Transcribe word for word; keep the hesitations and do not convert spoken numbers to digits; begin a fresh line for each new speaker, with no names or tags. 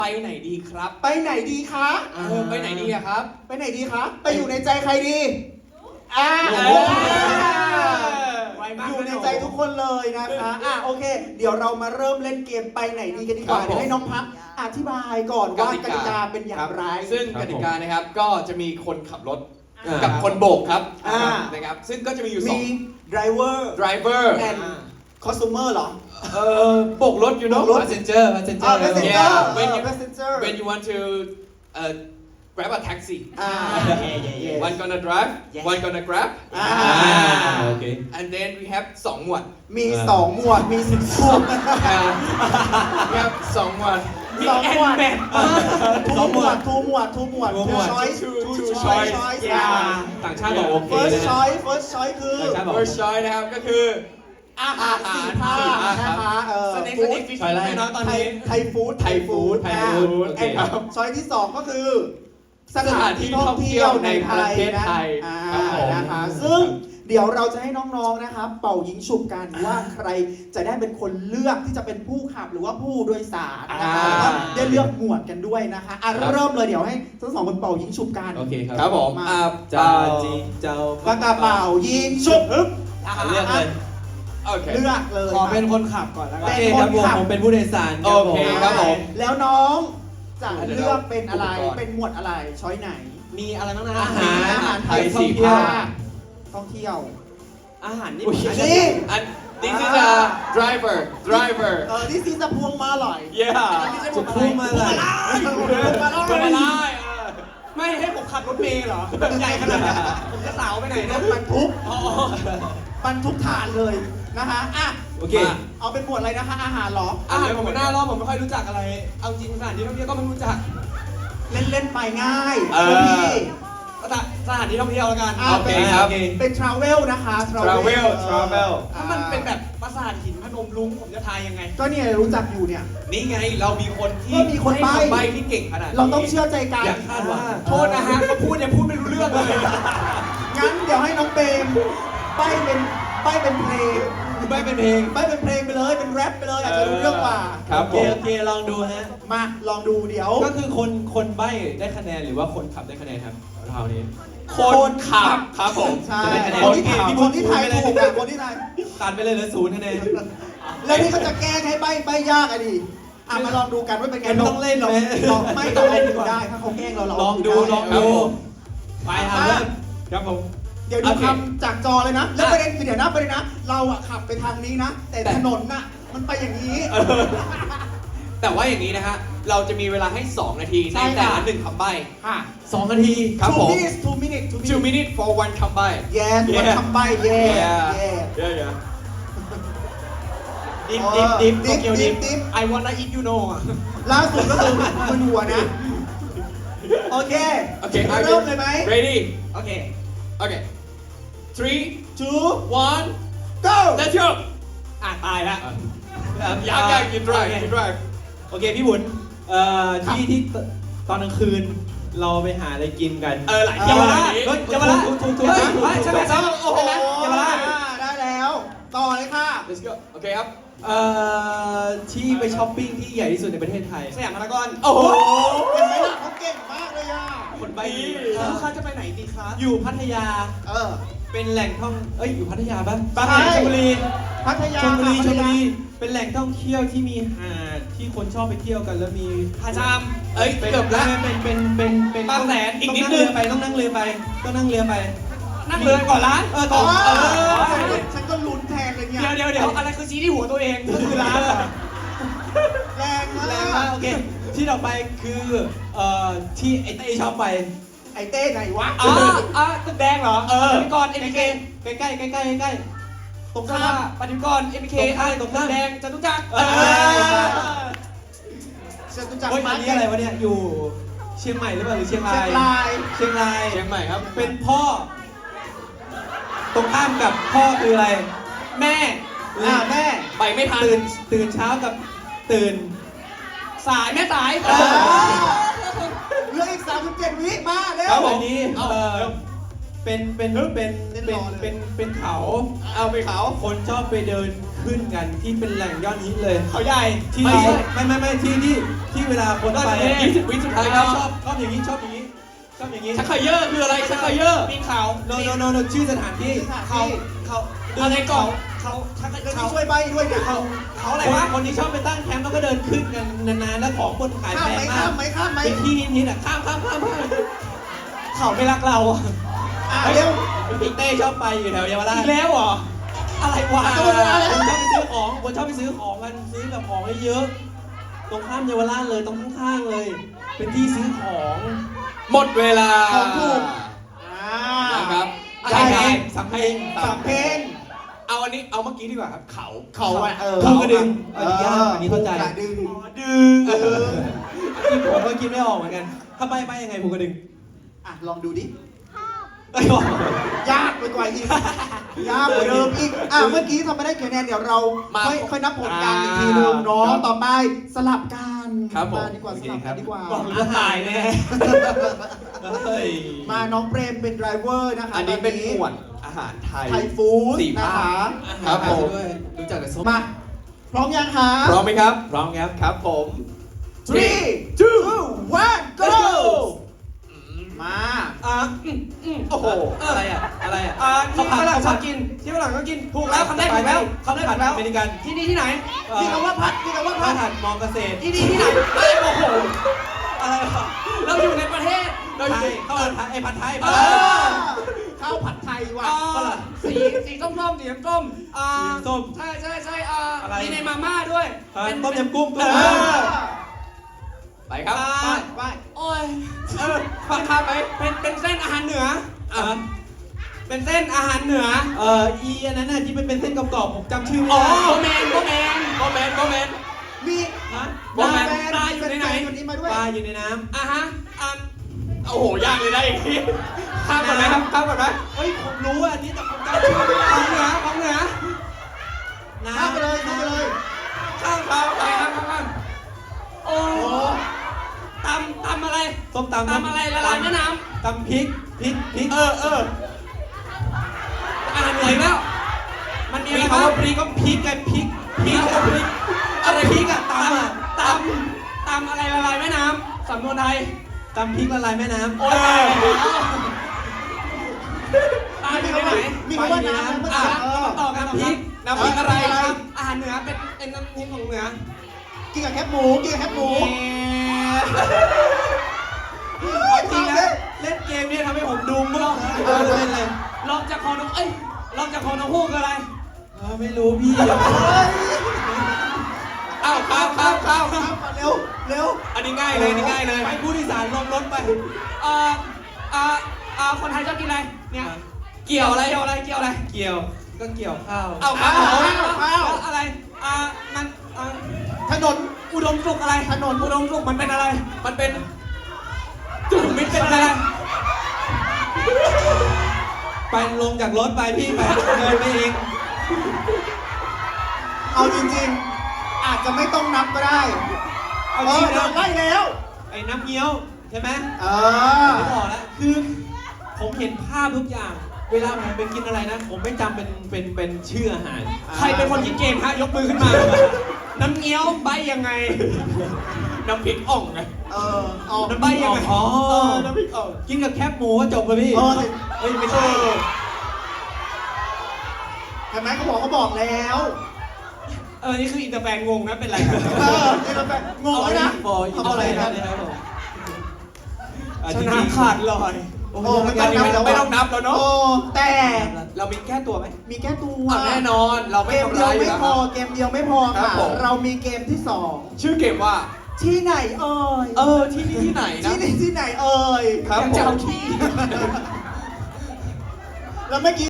ไปไหนดีครับ
ไปไหนดีคะ
เออไปไหนดีอะครับ
ไปไหนดีคะไปอยู่ในใจใครดีอ่า
เออ
อยู่ในใจทุกคนเลยนะคะอ่ะโอเค เดี๋ยวเรามาเริ่มเล่นเกมไปไหนดีกันดีกว่า
ครับผม
เดี๋ยวให้น้องพักอธิบายก่อนว่ากติกาเป็นอย่างไร
ซึ่งกติกานะครับก็จะมีคนขับรถ
อ่ากั
กับคนโบกครับ
อ่า
นะครับซึ่งก็จะมีอยู่สอ
มี
ง
driver
driver
and customer เหรอ
เอ่อโบกรถ you know
โบกรถ
passenger
อ่า
passenger
passenger
yeah
เอ
when
อ
you
passenger
when you want to uh, grab a taxi
อ่า
one gonna drive
Yes.
one gonna grab
อ่า
โอเค
and then we have สองหมวด
มีสองหมวดมีสิบหมวด
we have สองหมวด
สองหมวด
สองหมวด
ทูหมวดทูหมวด
ทูหมวด
choice
Two-
two
two
choice
choice
yeah
ต่างชาติบอกโอเค
first
นะฮะ
choice first choice คือ
ต่างชาติบอก
first choice นะครับก็คือ
อาหารสี่ภาค
สี่ภาค
นะคะเออ
สเน็ก
ฟู้
สเน็
ด
กฟิช
ช้อยแรก
แน่นอนตอน
ไทย
นี้
ไทยฟู้ด
ไทยฟู้ด
อ่า
ไทยฟู้ด
แอน
ครับ
ช้อยที่สองก็คือสถานที่ท่องเที่ยวในไทย
ประเทศ
นะ
ไทย
อ่า
ครับผม
นะคะซึ่งเดี๋ยวเราจะให้น้องๆนะครับเป่ายิงฉุบกันว่าใครจะได้เป็นคนเลือกที่จะเป็นผู้ขับหรือว่าผู้โดยสารนะคะ
อ่า
แล้วก็ได้เลือกหมวดกันด้วยนะคะอ่ะเริ่มเลยเดี๋ยวให้ทั้งสองคนเป่ายิงฉุบกัน
โอเคครับ
ครับผม
มา
อ่า
เจ้า
เป่า
จีนเจ้า
ปากกาเป่ายิงฉุบฮึบ
อ่ะเลือกเลย
โอเค
เลือกเลย
ขอเป็นคนขับก่อนแล้วกั
โอน เคครับผมผมเป็นผู้โดยสาร
โอเคครับผม
แล้วน้องจะเลือกเป็นอะไร
อุปกรณ์
เป็นหมวดอะไรช้อยไหน
มีอะไรบ้างนะ
อาหาร
อาหารไทย
ท่องเที่ยว
ท่องเที่ยว
อาหารนี่
อุ๊ย
อันนี้
อัน this is a driver driver
เออที่ซีจะพวงมาหล่อย
yeah
อันนี้ไม่ใช่พว
จะ
งมา
พู
ลั
ด
ย
มาอะไร
พวงมาลัย
ไม่ได้เออ
ไม่ให้ผมขับรถเมล์เหรอใหญ่ขนาดนั้นผมจะสาวไปไหน
ร
นะ
ถบรรทุก
อ๋อบ
รรทุกฐานเลยนะคะอ่ะ
โอเค
มาเอาเป็นหมวดอะไรนะคะอาหารเหรอ
อาหารผมไม่น่ารอบผมไม่ค่อยรู้จักอะไร เอาจริงสถานที่ท่องเที่ยวก็ไม่รู้จัก
เล่นเล่นๆไปง่าย
เออ
พี่
สถานสถานที่ท่องเที่ยวแล้วกัน
อ่ะ
โอเคครับ
เป็น travel นะคะ
travel travel
ถ้ามันเป็นแบบปราสาทหินพนมรุ้งผมจะทายยังไง
ก็เนี่ยรู้จักอยู่เนี่ย
นี่ไงเรามีคนที่
ก็มีคนใบ้
ให้ใบที่เก่งขนาดนี้
เราต้องเชื่อใจกัน
อย่าคาดหวัง
โทษนะฮะเขาพูดยังพูดไม่รู้เรื่องเลย
งั้นเดี๋ยวให้น้องเปรมใบ้เป็นใบ้เป็นเพลง
ไม่เป็นเพลง
ใบ้เป็นเพลงไปเลยเป็นแรปไปเลยอาจจะรู้เรื่องกว่า
ครับ
โอ
ผ
เค
ม
โอเคลองดูฮะ
มาลองดูเดี๋ยว
ก็คือคนคนใบ้ได้คะแนนหรือว่าคนขับได้คะแนนครับเรานี้
คนขับครับผม
ใช่
จะได้คะแนน
คนที่
โอเค
ถาม
พี่
คนที่
พูด
ทาย
ไปเลย
ถูกอะคนที่ทาย
ตัดไปเลยเหลือศูนย์คะแนน
แล้วนี่เขาจะแกล้งให้ใบ้ใบ้ยากอะดิอ่ะมาลองดูกันว่าเป็นไง
ไม่ต้องเล่นหรอก
ลองไม่ต้องเล่นก็ได้ถ้าเขาแกล้งเราเรา
ลองดูลอง
ครั
ดู
บผม
ไปอ่ะเริ่มครับผม
เดี๋ยวดู
โอเค
คำจากจอเลยนะ แล้วประเด็นคือเดี๋ยวนะประเด็นนะ เราอะขับไปทางนี้นะ แต่
แต่
ถนนน่ะมันไปอย่างนี้
เออแต่ว่าอย่างนี้นะฮะ เราจะมีเวลาให้ สอง นาที
ใช่
ในแต่
ค่ะ
ละหนึ่งคำใบ้
ค่ะ
สองนาที
ครับ
two
ผม
minutes two minutes two
two
minutes
minutes for one คำใบ้
yes วัน
Yeah
คำใบ้ yeah
yeah
yeah
yeah yeah
ดิฟดิฟดิฟ
ดิฟ
โตเกียวดิฟ
ดิฟ
ไอวอนไออิทยูโนอ่ะ
ล่าสุดก็คือมึนหัวนะ โอเค
โอเค
เริ่มเลยไหม
ready
โอเค
okay three
two
one
go
let's go
อ่ะตายละ
อยากอยาก you drive you drive
โอเคพี่บุญเอ่อที่ที่ตอนกลางคืนเราไปหาอะไรกินกัน
เออหลายที่
เยาว
เล
ราช
ยนี้
เฮ้ย
เยาวราช
ถูกถูกถูก
เฮ้ย
ถูก
เฮ้ยใช่ไหมครับ
โอ้โห
เยาวราช
ได้แล้ว ต่อเลยค่ะ
let's go โอเคครับ
เอ่อที่ไปช้อปปิ้งที่ใหญ่ที่สุดในประเทศไทย
สยามพารากอน
โอ้โห
เห็นไหมล่ะเขาเก่งมากเลยอ่ะ
คนใบ้
ดี
เอ่อ
ลูกค้าจะไปไหนดีครับ
อยู่พัทยา
เออ
เป็นแหล่งท่อง เอ้ยอยู่พัทยาปะ
ใช่
บางแห่งชลบุรี
พัทยา
ชลบุรี
ค่ะ
ชลบุรี
พัทย
เป็นแหล่งท่องเที่ยวที่มีหาดที่คนชอบไปเที่ยวกันแล้วมี
หาดจาม
เอ้ย
เป็น
เกือบละ
เป็นเป็นเป็นเป็น
บางแสนอีก
ต้อง
นิด
นั่ง
นึ
เรื
ง
อไปต้องนั่งเรือไปต้องนั่งเรือไป
นั่งเรือก่อนร้าน
เออ
อ๋
ก่
อ
อนเออ
ฉันก็ฉันก็ลุ้นแทนเลยเนี่ย
เดี๋ยวเดี๋ยวเดี๋ยวอะไรคือชี้ที่หัวตัวเองก็คือร้านเหรอ
แรงมา
แรงมาก
ก
โอเคที่ต่อไปคือเอ่อที่ไอ้เต้ชอบไป
ไอ้เต้ไหนวะ
อ๋ออ๋อตึกแดงเหรอ
เออ
ปฏิกรเอ็มเค
ใกล้ใกล้ใกล้ใกล้ใกล้
ตรง
ข้า
ข้าม
ปฏิกรเอ็มเค
ตรงข้ามตรงข้าม
แดงจตุจักร
เออ
ฉันรู้จัก
เฮ้ย
มา
อันนี้อะไรวะเนี่ยอยู่เชียงใหม่หรือเปล่าหรือเชียง
เชี
ราย
งราย
เชียงราย
เชียงใหม่ครับ
เป็นพ่อ ตรงข้ามกับพ่อคืออะไร
แม่
อ่าแม่
ไปไม่ทัน
ตื่นตื่นเช้ากับตื่น
สายแม่สาย
เออเหลืออีกสามสิบเจ็ดวิมาเร็
แล้ว
ว
วันนี้
เอา
เอ่อ
เร็ว
เป็นเป็นเป็นเป็นเป็นเป็นเขา
เอาไปเขา
คนชอบไปเดินขึ้นกันที่เป็นแหล่งยอดฮิตเลย
เขาใหญ่
ที่
ไม่ใช่
ไม่ไม่ไม่ที่ที่ที่เวลาคนไป
ยี่สิบวิสุดท้ายครับ
ชอบชอบอย่างนี้ชอบอย่างนี้ชอบอย่างนี้
ชักเขยอร์คืออะไรชักเขยอร์
ปีนเขา
โนโนโนโนชื่อสถานที่
เขาเขาอะไรก่อนเขาชัก
เดี๋ยว
เขา
ช่วยใบด้วยเนี่ย
เขาเขาอะไร
คน
วะ
คนที่ชอบไปตั้งแคมป์แล้วก็เดินขึ้นกันนานๆแล้วของบนขาย
ข้า
แพ
มไหม
งมา
ข้าก มไหมข้ามไหม
เป็นที่ฮิตๆอ่ะข้ามข้ามข้ามข้าม
เขาไม่รักเราอะ
อ่ะเร็ว
พี่เต้ชอบไปอยู่แถวเยาวราช
อีกแล้วเหรออะไรวะ
ก็ไม่ได้แล้ว
คนชอบไปซื้อของคนชอบไปซื้อของกันซื้อแบบของเยอะๆตรงข้ามเยาวราชเลยตรงข้างๆเลย เป็นที่ซื้อของ
หมดเวลา
ของถูกอ่า
นะครับ
ได้
อะไร
เพล
นะ
งสำเพลง
สามเพลง
เอาอันนี้เอาเมื่อกี้ดีกว่าครับเขา
เขาอ่ะเออ
ภูกระดึงอันนี้ยากอันนี้เข้าใจ
กระดึง
ดึงเออจริงผมก็คิดไม่ออกเหมือนกันถ้าไปไปยังไงภูกระดึง
อ่ะลองดูดิ
ไอ้บอก
ยากไปกว่าอีก ยากกว่าเดิมอีก อ่ะเมื่อกี้ทำไม่ได้คะแนนเดี๋ยวเราค่อยค่อยนับผลกันอีกทีนึงเนาะ ต่อไปสลับกัน
ครับผม
มาดีกว่าสลับกันดีกว่า
บอกเลยว่าตายแน่
เฮ้ย
มาน้องเปรมเป็นไดรเวอร์นะคะ
อันนี้เป็น
ต
หมวดอาหารไทย
ไทยฟู้ด
สี่
นะ
ภา
คะ
ค ครับผม รู้จักแต่ส้ม
มา พร้อมยังคะ
พร้อมไหมครับ
พร้อมครับ
ครับผม
three two one go มา
อ่ะอืมอืม
โอ้โห
อะไรอ่ะอะไรอ่ะ
อ่าที่ฝรั่งชอบ
กิ
กินที่ฝรั่งก็กินถูกแล้วคำแรกถูกแล้วคำแรกถูกแล้ว
อเมริกัน
ที่นี่ที่ไหน
มีคำว่าพัด มีคำว่า
ข้า
พั
ว
ด
ผัดมอเกษตร
ที่นี่ที่ไหนเอ้ยโอ้โหอะไรวะเราอยู่ในประเทศ
เราอยู่ข้าวผัดไทยไอ้ผัดไทย
เอ
ผัดไทย
อข้าวผัดไทยว่ะ
อ่า
ฝรั่ง
สีสีส้มๆสีส้มๆอ่า
สีส้ม
ใช่ใช่ใช่อ่า
อะไร
มีในมาม่าด้วย
อ่า
เป็น
ต้มยำกุ้ง
เอ
กุ้ง
อ
ไปครับ
อ่า
ไปไป
โอ้ยเออฟังข้ามไหมเป็นเป็นเส้นอาหารเหนือ
อ่ะ
เป็นเส้นอาหารเหนือ
เอ่ออีอันนั้นน่ะที่มันเป็นเส้นกรอบๆผมจำชื่อไม่
อ๋อ
ได้
โบแมนโบแมน
โมเมนต์โมเมนต์
มี
ฮะ
โบแมนปลาอยู่ในไหน
วันนี้มาด้วย
ปลาอยู่ในน้
อ่ะฮะอ่ะ
โอ้โห ยากเลยนะอีกทีข้ามก่อนไหมครับข้ามก่อนไหม
ำเฮ้ยผมรู้อันนี้แต่ผมจำชื่อไม่ได้
ของเหนือของเหนือ
น้ำ
ข้ามไปเลยข้ามไปเลย
ข้ามข้าม
ไปครับครับครับโอ้
โอ้
ตำตำอะไร
ส้มตำ
ตำอะไรละลายแม่น้
ตำพริกพริกพริก
เออเออ
ำอาหารเหนืออีกแล้ว มันมี
มี
อะไร
คำ
บ้าง
ว่าพริกก็พริกไงพริกพริกอะพริกอะไรพริกอะตำอะ
ตำตำอะไรละลายแม่น้ำสำนวนไทย
ตำพริกละลายแม่น้ำ
โอ้ยตายแล้วตายอยู่ในไหน
มีคำว่าน้ำเมื่อ
อ่ะ
กี้เออ
ต่อกัน
น้ำพริก
น้ำพริกอะไรครับอาหารเหนือเป็นเป็นน้ำพริกของเหนือ
กินกับแคบหมู กินกับแคบหมู
เอาจริงนะเล่นเกมเนี่ยทำให้ผมดูมั่วเออเล่นเลย
ลองจากคอนกเอ้ยลองจากคอนกฮูกคืออะไร
เออไม่รู้พี่
เฮ้ย
อ้าวข้ามข้ามข้าม
ข้ามมาเร็ว เร็ว
อันนี้ง่ายเลยอันนี้ง่ายเลย
ไปผู้โดยสารลงรถไป
เอ่อเอ่อเอ่อคนไทยชอบกินอะไร เนี่ย
เกี่ยวอะไร
เกี่ยวอะไร เกี่ยวอะไร
เกี่ยวก็เกี่ยวข้าว
เอาข้าว
ข้าว
อะไร อ่า มันอ่า
ถนน
อุดมสุขอะไร
ถนน
อุดมสุขมันเป็นอะไร
มันเป็น
จุดมิตรเป็นอะไร
ไปลงจากรถไปพี่ไปเดินไปเอง
เอาจริงๆ อาจจะไม่ต้องนับก็ได้
เอา
เอ
จริ
อง โด
นะ
นไล่แล้ว
ไอ้น้ำเงี้ยวใช่ไหม
เออ
ไม่บอกแล้วคือผมเห็นภาพทุกอย่าง เวลาผมไปกินอะไรนะ ผมไม่จำเป็นเป็นเป็นชื่ออาหาร
ใครเป็นคนคิดเกมฮะ ยกมือขึ้นมา น้ำเงี้ยวใบยังไง
น้ำพริกอ่องไง
เออเอา
น้ำพริกอ่องอ๋อ
เออน้ำพริกอ่อง
กินกับแคบหมูก็จบเลยพี่
เออ
เฮ้ยไม่ใช่
เห็นไหมเขาบอกเขาบอกแล้ว
เออ นี่คืออินเตอร์แฟนงงนะ เป็นไรกัน
เออนี่เราแบบงงแล้วนะ
บอยอิน
เขา
เต
บ
อ
อก
ร์
อะไร
แฟน
นะ
เลยครับผมอ่ะ
ช
จริง
นะ
ๆ
ขาดลอย
โอ้
โอ้
โห
ไม่
ไม่
ต้
ต้
อ
อง ง
นั
นั
บบ แล้ว
ไม่ต้องนับแล้วเนาะ
โอ้แต่
เรามีแก้ตัวไหม
มีแก้ตัว
อ่ะแน่นอน เราไม่
เกม
ทำ
เดียว
ร้ายอยู่
ไม่
แล้ว
พอ เกมเดียวไม่พอ
ครั
ค่ะ
บผม
เรามีเกมที่สอง
ชื่อเกมว่า
ที่ไหนเอ่ย
เออ ที่นี่ที่ไหนนะ
ที่นี่ที่ไหนเอ่ย
ครับ
อยากจะ
ผม
เอาที่ แล้วเมื่อกี้